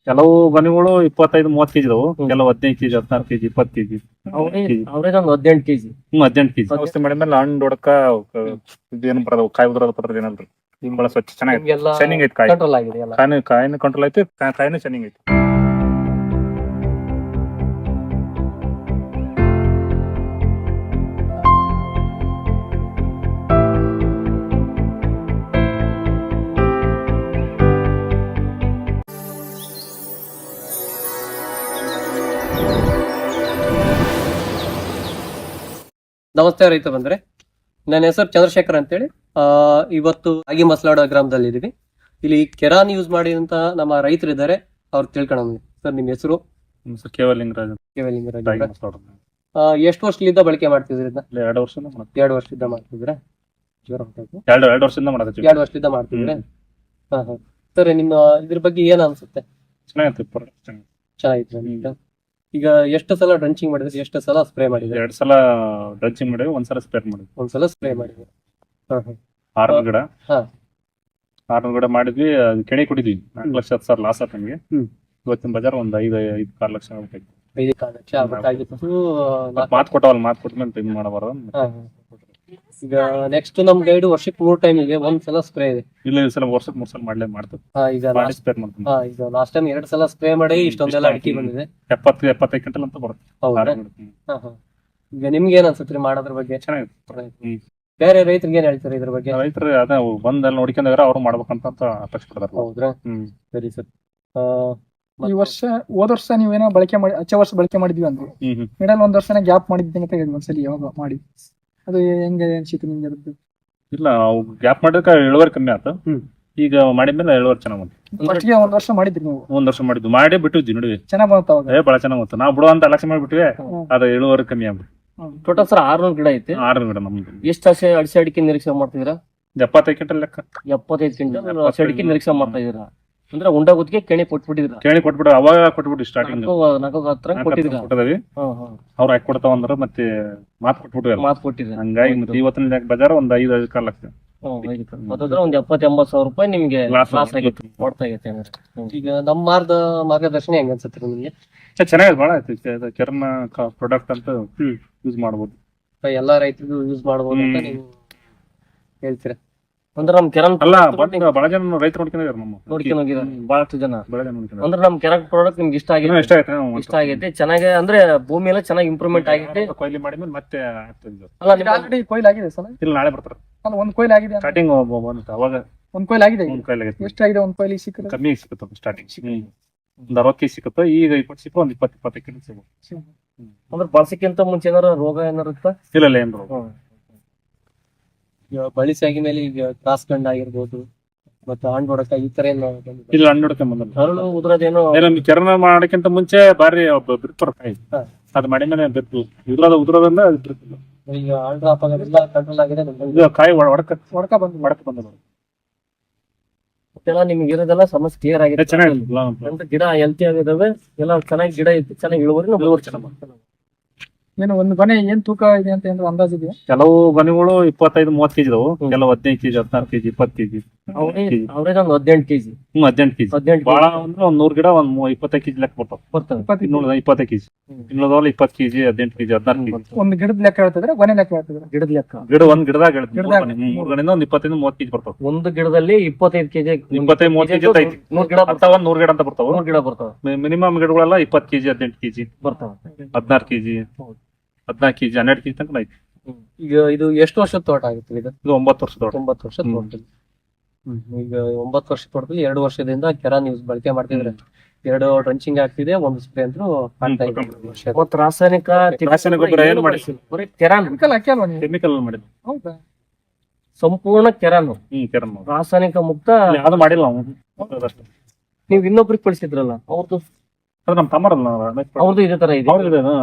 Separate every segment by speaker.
Speaker 1: ಕೆಲವು ಗೊನೆಗಳು 25-30 ಕೆಜಿ ಇದಾವು, ಕೆಲವು 15 ಕೆಜಿ, 16 ಕೆಜಿ, 20 ಕೆಜಿ,
Speaker 2: ಅವ್ರೇಜ್ ಒಂದು 18 ಕೆಜಿ.
Speaker 1: 18 ಕೆಜಿ. ಔಷಧಿ ಮಾಡಿದ್ಮೇಲೆ ಹಣ್ಣು ಹೊಡಕ ಇದೇನು ಬರೋದು, ಕಾಯಿ ಉದ್ರದ ಪತ್ರ ಏನಲ್ರಿ, ಬಹಳ ಸ್ವಚ್ಛ ಚೆನ್ನಾಗಿ ಶೈನಿಂಗ್ ಐತಿ. ಕಾಯಿ
Speaker 2: ಕಂಟ್ರೋಲ್ ಆಗಿದೆ ಎಲ್ಲ.
Speaker 1: ಕಾಯಿನ ಕಂಟ್ರೋಲ್ ಐತಿ, ಕಾಯಿನ ಶೈನಿಂಗ್ ಐತಿ.
Speaker 2: ನಮಸ್ತೆ ರೈತ ಬಂದ್ರೆ, ನನ್ನ ಹೆಸರು ಚಂದ್ರಶೇಖರ್ ಅಂತೇಳಿ. ಇವತ್ತು ಆಗಿ ಮಸಲಾಡ ಗ್ರಾಮದಲ್ಲಿ ಇದೀವಿ. ಇಲ್ಲಿ ಕೆರಾನ್ ಯೂಸ್ ಮಾಡಿದಂತ ನಮ್ಮ ರೈತರು ಇದ್ದಾರೆ, ಅವ್ರು ತಿಳ್ಕೊಳ್ಳೋಣ. ಸರ್, ನಿಮ್ಮ ಹೆಸರು?
Speaker 1: ಕೇವಲಿಂಗರಾಜ್.
Speaker 2: ಎಷ್ಟು ವರ್ಷದಿಂದ ಬಳಕೆ ಮಾಡ್ತಿದ್ರಿ?
Speaker 1: 2 ವರ್ಷದಿಂದ
Speaker 2: 2 ವರ್ಷದಿಂದ ಮಾಡ್ತಿದ್ರ?
Speaker 1: 2 ವರ್ಷದಿಂದ ಮಾಡೋದು.
Speaker 2: 2 ವರ್ಷದಿಂದ ಮಾಡ್ತಿದ್ರೆ? ಸರ್, ನಿಮ್ಮ ಇದ್ರ ಬಗ್ಗೆ ಏನ್ ಅನ್ಸುತ್ತೆ? ಚೆನ್ನಾಗಿತ್ತು. ಈಗ ಎಷ್ಟು ಸಲ ಡ್ರಂಚಿಂಗ್ ಮಾಡಿದ್ರಿ, ಎಷ್ಟು ಸಲ ಸ್ಪ್ರೇ ಮಾಡಿದ್ರಿ?
Speaker 1: 2 ಸಲ ಡ್ರಂಚಿಂಗ್ ಮಾಡಿದ್ವಿ, 1 ಸಲ ಸ್ಪ್ರೇ ಮಾಡಿದ್ವಿ.
Speaker 2: 1 ಸಲ ಸ್ಪ್ರೇ ಮಾಡಿದ್ವಿ.
Speaker 1: ಆರ್ನೂರು ಗಿಡ ಮಾಡಿದ್ವಿ. ಅದು ಕೆಣಿ ಕೊಟ್ಟಿದ್ವಿ. 4 ಲಕ್ಷ 10 ಸಾವಿರ ಲಾಸ್ ಆಯ್ತು ನಮಗೆ. ಇವತ್ತಿನ ಬಜಾರ್ ಒಂದು 5-6 ಲಕ್ಷ ಆಗ್ಬೇಕಾಯ್ತು.
Speaker 2: 5-6 ಲಕ್ಷ ಆಗ್ಬೇಕಾಗಿತ್ತು.
Speaker 1: ಮಾತು ಕೊಟ್ಟವಲ್ಲ, ಮಾತು ಕೊಟ್ಟ ಮೇಲೆ ಇದು ಮಾಡಬಾರ್ದು.
Speaker 2: ಈಗ ನೆಕ್ಸ್ಟ್ ನಮ್ ಗೈಡ್ ವರ್ಷಕ್ಕೆ 3 ಟೈಮ್ ಇದೆ, 1 ಸಲ ಸ್ಪ್ರೇ ಇದೆ.
Speaker 1: ಇಲ್ಲ, ಈ ಸಲ ವರ್ಷಕ್ಕೆ 3 ಸಲ ಮಾಡ್ಲೇ ಮಾಡ್ತೀವಿ.
Speaker 2: ಈಗ ಲಾಸ್ಟ್ ಟೈಮ್ 2 ಸಲ ಸ್ಪ್ರೇ ಮಾಡಿ ಇಷ್ಟೊಂದೆಲ್ಲ ಅಡಿಕೆ ಬಂದಿದೆ.
Speaker 1: 70-75 ಕ್ವಿಂಟಲ್ ಅಂತ ಬರುತ್ತೆ.
Speaker 2: ಈಗ ನಿಮ್ಗೆ ಏನ್ ಅನ್ಸುತ್ತೆ ಮಾಡೋದ್ರ ಬಗ್ಗೆ?
Speaker 1: ಚೆನ್ನಾಗಿದೆ.
Speaker 2: ಬೇರೆ ರೈತರಿಗೆ ಏನ್ ಹೇಳ್ತಾರೆ ಇದ್ರ ಬಗ್ಗೆ?
Speaker 1: ರೈತರು ಅದೇ ಬಂದಲ್ಲಿ ನೋಡ್ಕೊಂಡ್ರೆ ಅವ್ರು ಮಾಡ್ಬೇಕಂತ ಅಪೇಕ್ಷೆ ಪಡ್ತಾರೆ.
Speaker 2: ಹೌದ್ರಾ? ಸರಿ ಸರ್.
Speaker 3: ಈ ವರ್ಷ ಹೋದ ವರ್ಷ ನೀವೇನೋ ಬಳಕೆ ಮಾಡಿ, ಹಚ್ಚ ವರ್ಷ ಬಳಕೆ ಮಾಡಿದ್ವಿ ಅಂದ್ರೆ ಮಿಡಲ್ 1 ವರ್ಷನ ಗ್ಯಾಪ್ ಮಾಡಿದ್ದೀನಿ ಅಂತ ಹೇಳಿದ್ವಿ ಒಂದ್ಸಲಿ. ಯಾವಾಗ ಮಾಡಿ ಅದು ಹೆಂಗೆ ಅನ್ಸಿತ್ತು ನಿಮ್ಗೆ? ಅದಕ್ಕೆ
Speaker 1: ಇಲ್ಲ, ಗ್ಯಾಪ್ ಮಾಡಿದ್ರೆ ಇಳುವರಿ ಕಮ್ಮಿ ಆಯ್ತು. ಈಗ ಮಾಡಿದ್ಮೇಲೆ ಇಳುವರಿ ಚೆನ್ನಾಗ್ ಬಂತು.
Speaker 3: ಫಸ್ಟ್ಗೆ 1 ವರ್ಷ ಮಾಡಿದ್ರಿ ನೀವು?
Speaker 1: 1 ವರ್ಷ ಮಾಡಿದ್ವಿ, ಮಾಡಿ ಬಿಟ್ಟಿದ್ವಿ. ನೋಡಿ
Speaker 3: ಚೆನ್ನಾಗ್ ಬಂತ ಅವಾಗ.
Speaker 1: ಬಹಳ ಚೆನ್ನಾಗ್ ಬಂತು. ನಾವು ಬಿಡುವಂತ ಲಕ್ಷ ಮಾಡಿಬಿಟ್ವಿ, ಅದು ಇಳುವರಿ ಕಮ್ಮಿ ಆಗ್ಬಿಟ್ಟು.
Speaker 2: ಟೋಟಲ್ ಸರ್ 600 ಗಿಡ ಐತಿ.
Speaker 1: 600 ಗಿಡ ನಮ್ದು.
Speaker 2: ಎಷ್ಟು ಅಡಿಕೆ ಅಡಿಕೆ ನಿರೀಕ್ಷೆ ಮಾಡ್ತಿದ್ದೀರಾ?
Speaker 1: 75 ಕ್ವಿಂಟಲ್ ಲೆಕ್ಕ.
Speaker 2: 75 ಕ್ವಿಂಟಲ್ ಅಡಿಕೆ ನಿರೀಕ್ಷೆ ಮಾಡ್ತಾ ಇದೀರಾ ಅಂದ್ರೆ ಉಂಡ ಗುತ್ತಿಗೆ ಕೆಣಿ ಕೊಟ್ಬಿಟ್ಟಿದ್ರ?
Speaker 1: ಕೆಣಿ ಕೊಟ್ಬಿಟ್ಟು ಅವಾಗ ಕೊಟ್ಬಿಟ್ಟು ಸ್ಟಾರ್ಟಿಂಗ್
Speaker 2: 4 ಕೊಟ್ಟಿದ್ರ.
Speaker 1: ಅವ್ರು ಹಾಕಿ ಕೊಡ್ತಾವ ಅಂದ್ರೆ ಮತ್ತೆ ಮಾತು ಕೊಟ್ಬಿಟ್ಟು ಹಂಗಾಗಿ ಮತ್ತೆ ಇವತ್ತಿನ ಬಜಾರ್ ಒಂದು 5-6 ಲಕ್ಷ.
Speaker 2: ಒಂದು 70-80 ಸಾವಿರ ರೂಪಾಯಿ ನಿಮ್ಗೆ ಲಾಸ್ ಆಗಿತ್ತು, ಕೊಡ್ತಾ ಆಗೈತೆ. ಈಗ ನಮ್ಮ ಮಾರ್ಗದರ್ಶನ ಹೆಂಗ ಅನ್ಸುತ್ತೆ ನಿಮ್ಗೆ?
Speaker 1: ಚೆನ್ನಾಗಿದೆ, ಬಹಳ ಆಯ್ತು. ಕೆರನ ಪ್ರಾಡಕ್ಟ್ ಅಂತ ಯೂಸ್ ಮಾಡ್ಬೋದು,
Speaker 2: ಎಲ್ಲಾ ರೈತರಿಗೂ ಯೂಸ್ ಮಾಡ್ಬೋದು ಅಂತ ನೀವು ಹೇಳ್ತೀರಾ? ಅಂದ್ರೆ ನಮ್ ಕೆರನ್
Speaker 1: ಅಲ್ಲ, ಬಹಳ ಜನ ರೈತರು ನೋಡ್ಕೊಂಡು
Speaker 2: ಹೋಗಿದ್ದಾರೆ, ಬಹಳಷ್ಟು ಜನ.
Speaker 1: ನೋಡ್ಕೊಂಡು
Speaker 2: ಅಂದ್ರೆ ನಮ್ ಕೆರನ್ ಪ್ರಾಡಕ್ಟ್ ನಿಮ್ಗೆ ಇಷ್ಟ ಆಗೈತೆ ಚೆನ್ನಾಗಿ. ಅಂದ್ರೆ ಭೂಮಿ ಎಲ್ಲ ಚೆನ್ನಾಗಿ ಇಂಪ್ರೂವ್ಮೆಂಟ್ ಆಗೈತೆ.
Speaker 1: ಕೊಯ್ಲಿ ಮಾಡಿದ್ಮೇಲೆ ಮತ್ತೆ
Speaker 3: ಅಲ್ಲ, ಆಲ್ರೆಡಿ ಕೊಯ್ಲು ಆಗಿದೆ ಸರ್?
Speaker 1: ಇಲ್ಲ, ನಾಳೆ ಬರ್ತಾರೆ.
Speaker 3: ಅಲ್ಲ, 1 ಕೊಯ್ಲು ಆಗಿದೆ
Speaker 1: ಸ್ಟಾರ್ಟಿಂಗ್ ಅವಾಗ
Speaker 3: 1 ಕೊಯ್ಲು ಆಗಿದೆ.
Speaker 1: 1 ಕೊಯ್ಲು ಆಗಿದೆ.
Speaker 3: ಎಷ್ಟಾಗಿದೆ 1 ಕೊಯ್ಲಿ? ಸಿಕ್ಕರೆ
Speaker 1: ಕಮ್ಮಿ ಸಿಕ್ಕುತ್ತೆ. ಸ್ಟಾರ್ಟಿಂಗ್ ಒಂದು 60 ಕೆಜಿ ಸಿಕ್ಕುತ್ತೆ. ಈಗ 20 ಸಿಕ್ಕ ಒಂದು 20-25 ಕೆಜಿ ಸಿಗುತ್ತೆ.
Speaker 2: ಅಂದ್ರೆ ಬಳಸಕ್ಕಿಂತ ಮುಂಚೆ ಏನಾರ ರೋಗ ಏನಾರ ಇತ್ತ?
Speaker 1: ಇಲ್ಲ, ಏನ್ ರೋಗ.
Speaker 2: ಬಳಸಿ ಆಗಿದ್ಮೇಲೆ ಈಗ ಕ್ರಾಸ್ ಗಂಡ ಆಗಿರ್ಬೋದು, ಮತ್ತೆ ಹಣ್ಣು ಹೊಡಕ ಈ ತರ ಏನು?
Speaker 1: ಇಲ್ಲ, ಹಣ್ಣು ಹೊಡಕ
Speaker 2: ಹರಳು ಉದ್ರದೇನೋ.
Speaker 1: ಕೆರನ ಮಾಡೋಕ್ಕಿಂತ ಮುಂಚೆ ಬಾರಿ ಬಿರ್ತಾರ ಕಾಯಿ. ಅದು ಮಾಡಿದ್ಮೇಲೆ ಬಿರ್ತು ಉದ್ರೋದ್ರಿಂದ ಬಿರ್ತಿಲ್ಲ.
Speaker 2: ಈಗ ಹಣ್ಣು ಡ್ರಾಪ್ ಆಗೋದಿಲ್ಲ, ಕಂಟ್ರೋಲ್ ಆಗಿದೆ.
Speaker 1: ಕಾಯಿ ಒಡಕ ಬಂದ
Speaker 2: ಮತ್ತೆಲ್ಲ ನಿಮ್ಗೆ ಇರೋದೆಲ್ಲ ಸಮಸ್ಯೆ ಕ್ಲಿಯರ್ ಆಗಿದೆ.
Speaker 1: ಚೆನ್ನಾಗಿ
Speaker 2: ಗಿಡ ಹೆಲ್ತಿ ಆಗಿದಾವೆ, ಎಲ್ಲ ಚೆನ್ನಾಗಿ ಗಿಡ ಐತಿ, ಚೆನ್ನಾಗಿ ಇಳುವರಿ ಚೆನ್ನಾಗಿ.
Speaker 3: ಏನು ಒಂದು ಗೊನೆ ಏನ್ ತೂಕ ಇದೆ ಅಂತ ಏನಾದ್ರು ಅಂದಾಜ್ ಇದೆಯಾ?
Speaker 1: ಕೆಲವು ಗೊನೆಗಳು 25-30 ಕೆಜಿ ಇದಾವು, ಕೆಲವು 15 ಕೆಜಿ, 16 ಕೆಜಿ, 20 ಕೆಜಿ.
Speaker 2: ಅವ್ರೇಜ್ ಒಂದು 18 ಕೆಜಿ.
Speaker 1: 18 ಕೆಜಿ. ಬಹಳ ಅಂದ್ರೆ ಒಂದ್ 100 ಗಿಡ 25 ಕೆಜಿ ಲೆಕ್ಕ ಬರ್ತಾವ. 25 ಕೆಜಿ. 20 KG, 18 KG, 16 KG.
Speaker 3: ಒಂದು ಗಿಡದ ಲೆಕ್ಕ ಹೇಳ್ತಿದ್ರೆ, ಗೊನೆ ಲೆಕ್ಕ ಹೇಳ್ತಿದ್ರೆ?
Speaker 2: ಗಿಡದ ಲೆಕ್ಕ.
Speaker 1: ಒಂದ್ ಗಿಡದಾಗ 3 ಗಣಿಂದ ಒಂದು 25-30 ಕೆಜಿ ಬರ್ತಾವ.
Speaker 2: ಒಂದು ಗಿಡದಲ್ಲಿ 25 ಕೆಜಿ,
Speaker 1: 25-30 ಕೆಜಿ ಐತಿ.
Speaker 2: 100 ಗಿಡ
Speaker 1: ಬರ್ತಾವ. 100 ಗಿಡ ಅಂತ ಬರ್ತಾವ.
Speaker 2: 100 ಗಿಡ ಬರ್ತಾವ.
Speaker 1: ಮಿನಿಮಮ್ ಗಿಡಗಳೆಲ್ಲ 20 ಕೆಜಿ, 18 ಕೆಜಿ
Speaker 2: ಬರ್ತಾವ.
Speaker 1: 16 ಕೆಜಿ, 14 ಕೆಜಿ, 12 ಕೆಜಿ ತನಕ ಐತಿ.
Speaker 2: ಈಗ ಇದು ಎಷ್ಟು ವರ್ಷದ ತೋಟ ಆಗುತ್ತೆ? ಇದು
Speaker 1: 9 ವರ್ಷದ ತೋಟ.
Speaker 2: 9 ವರ್ಷದ ತೋಟ. ಈಗ 9 ವರ್ಷದ ತೋಟದಲ್ಲಿ 2 ವರ್ಷದಿಂದ ಕೆರಾನ್ ಯೂಸ್ ಬಳಕೆ ಮಾಡ್ತಿದ್ರೆ, 2 ಡ್ರಂಚಿಂಗ್ ಆಗ್ತಿದೆ, 1 ಸ್ಪ್ರೇ ಅಂತೂ ಆಗ್ತಾ ಇದೆ. ಮತ್ತೆ ರಾಸಾಯನಿಕ
Speaker 1: ಗೊಬ್ಬರ ಏನು ಮಾಡಿಸಿಲ್ಲ,
Speaker 2: ಬರೀ ಕೆರಾನ್
Speaker 1: ಕೆಮಿಕಲ್ ಮಾಡಿದ್ವಿ.
Speaker 3: ಹೌದಾ?
Speaker 2: ಸಂಪೂರ್ಣ ಕೆರಾನ್.
Speaker 1: ಕೆರನ್
Speaker 2: ರಾಸಾಯನಿಕ ಮುಕ್ತ
Speaker 1: ಯಾವ್ದು ಮಾಡಿಲ್ಲ.
Speaker 2: ನೀವು ಇನ್ನೊಬ್ರಿಗೆ ಕಳಿಸಿದ್ರಲ್ಲ, ಅವ್ರದ್ದು
Speaker 1: ನಮ್ ತಮ್ಮರಲ್ಲ,
Speaker 2: ಅವ್ರದ್ದು ಇದೇ ತರ ಇದೆ.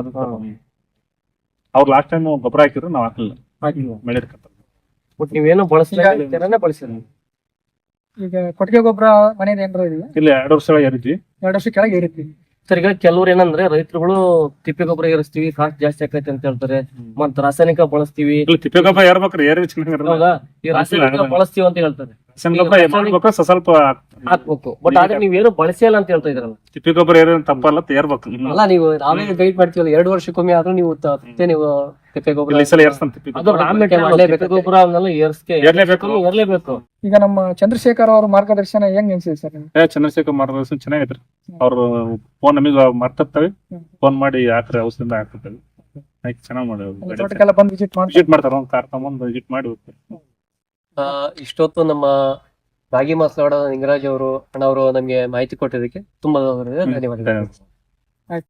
Speaker 1: ಅವ್ರು ಲಾಸ್ಟ್ ಟೈಮ್ ಗೊಬ್ಬರ ಹಾಕಿದ್ರು, ನಾವ್ ಹಾಕಿಲ್ಲ.
Speaker 2: ಬಟ್ ನೀವೇನು ಬಳಸಿಲ್ಲ, ಕೆರಾನೇ ಬಳಸಿಲ್ಲ.
Speaker 3: ಈಗ ಕೊಟ್ಟಿಗೆ ಗೊಬ್ಬರ ಮನೇಲಿ ಏನಾರ ಇದೆಯಾ?
Speaker 1: ಇಲ್ಲ, 2 ವರ್ಷ ಏರಿದ್ವಿ.
Speaker 3: 2 ವರ್ಷ ಕೆಳಗೆ ಏರಿದ್ವಿ.
Speaker 2: ಸರ್, ಈಗ ಕೆಲವ್ರು ಏನಂದ್ರೆ ರೈತರುಗಳು ತಿಪ್ಪೆ ಗೊಬ್ಬರ ಏರಿಸ್ತೀವಿ, ಕಾಸ್ಟ್ ಜಾಸ್ತಿ ಆಕೈತೆ ಅಂತ ಹೇಳ್ತಾರೆ, ಮತ್ತ ರಾಸಾಯನಿಕ ಬಳಸ್ತೀವಿ.
Speaker 1: ತಿಪ್ಪೆ ಗೊಬ್ಬರ ಏರ್ಬೇಕ್ರಿ, ಏರಿ ಚೆನ್ನಾಗಿ
Speaker 2: ಈ ರಾಸಾಯನಿಕ ಬಳಸ್ತೀವಿ ಅಂತ ಹೇಳ್ತಾರೆ.
Speaker 1: ರಾಸಾಯನಿಕ ಗೊಬ್ಬರ ಮಾಡ್ಬೇಕು ಸ್ವಲ್ಪ
Speaker 4: ಹಾಕ್ಬೇಕು. ಬಟ್ ಆದ್ರೆ ನೀವೇನು ಬಳಸಿಯಲ್ಲ ಅಂತ ಹೇಳ್ತಾ ಇದ್ರಲ್ಲ.
Speaker 1: ತಿಪ್ಪಿ ಗೊಬ್ಬರ ಏನೇನು ತಪ್ಪಲ್ಲ ತೇರ್ಬೇಕು.
Speaker 2: ಅಲ್ಲ ನೀವು ನಾವೇ ಗೈಡ್ ಮಾಡ್ತೀವಲ್ಲ 2 ವರ್ಷಕ್ಕೊಮ್ಮೆ ಆದ್ರೂ ನೀವು ನೀವು ತಿಪ್ಪೆ ಗೊಬ್ಬರ
Speaker 1: ಈ ಸಲ ಏರ್ಸ್ತಾನೆ ತಿಪ್ಪಿ
Speaker 4: ಅದು
Speaker 1: ಗೊಬ್ಬರ.
Speaker 4: raw material ತಿಪ್ಪೆ ಗೊಬ್ಬರ ಅವನ್ನೆಲ್ಲ ಏರ್ಲೇಬೇಕು.
Speaker 3: ಈಗ ನಮ್ಮ ಚಂದ್ರಶೇಖರ್ ಅವ್ರ ಮಾರ್ಗದರ್ಶನ ಹೆಂಗ್ ಅನ್ಸಿದೆ ಸರ್ ನಿಮ್ಗೆ?
Speaker 1: ಚಂದ್ರಶೇಖರ್ ಮಾರ್ಗದರ್ಶನ ಚೆನ್ನಾಗೈತ್ರಿ. ಅವ್ರು ಫೋನ್ ನಮಗೆ ಮಾಡ್ತಿರ್ತಾವೆ, ಫೋನ್ ಮಾಡಿ ಹಾಕ್ರಿ ಔಷಧಿಯಿಂದ ಹಾಕ್ತಿರ್ತೇವೆ. ಚೆನ್ನಾಗಿ ಮಾಡಿ
Speaker 3: ತೋಟಕ್ಕೆಲ್ಲ ಬಂದು
Speaker 1: ವಿಸಿಟ್ ಮಾಡ್ತಾರ, ಒಂದ್ ಕಾರ್ ತಗೊಂಡ್ ವಿಸಿಟ್ ಮಾಡಿ ಹೋಗ್ತಾರೆ.
Speaker 2: ಇಷ್ಟೊತ್ತು ನಮ್ಮ ರಾಗಿ ಮಾಸ್ಲಾಡ ನಿಂಗರಾಜ್ ಅವರು ಅಣ್ಣ ಅವರು ನಮ್ಗೆ ಮಾಹಿತಿ ಕೊಟ್ಟಿದ್ದಕ್ಕೆ ತುಂಬಾ ಧನ್ಯವಾದಗಳು.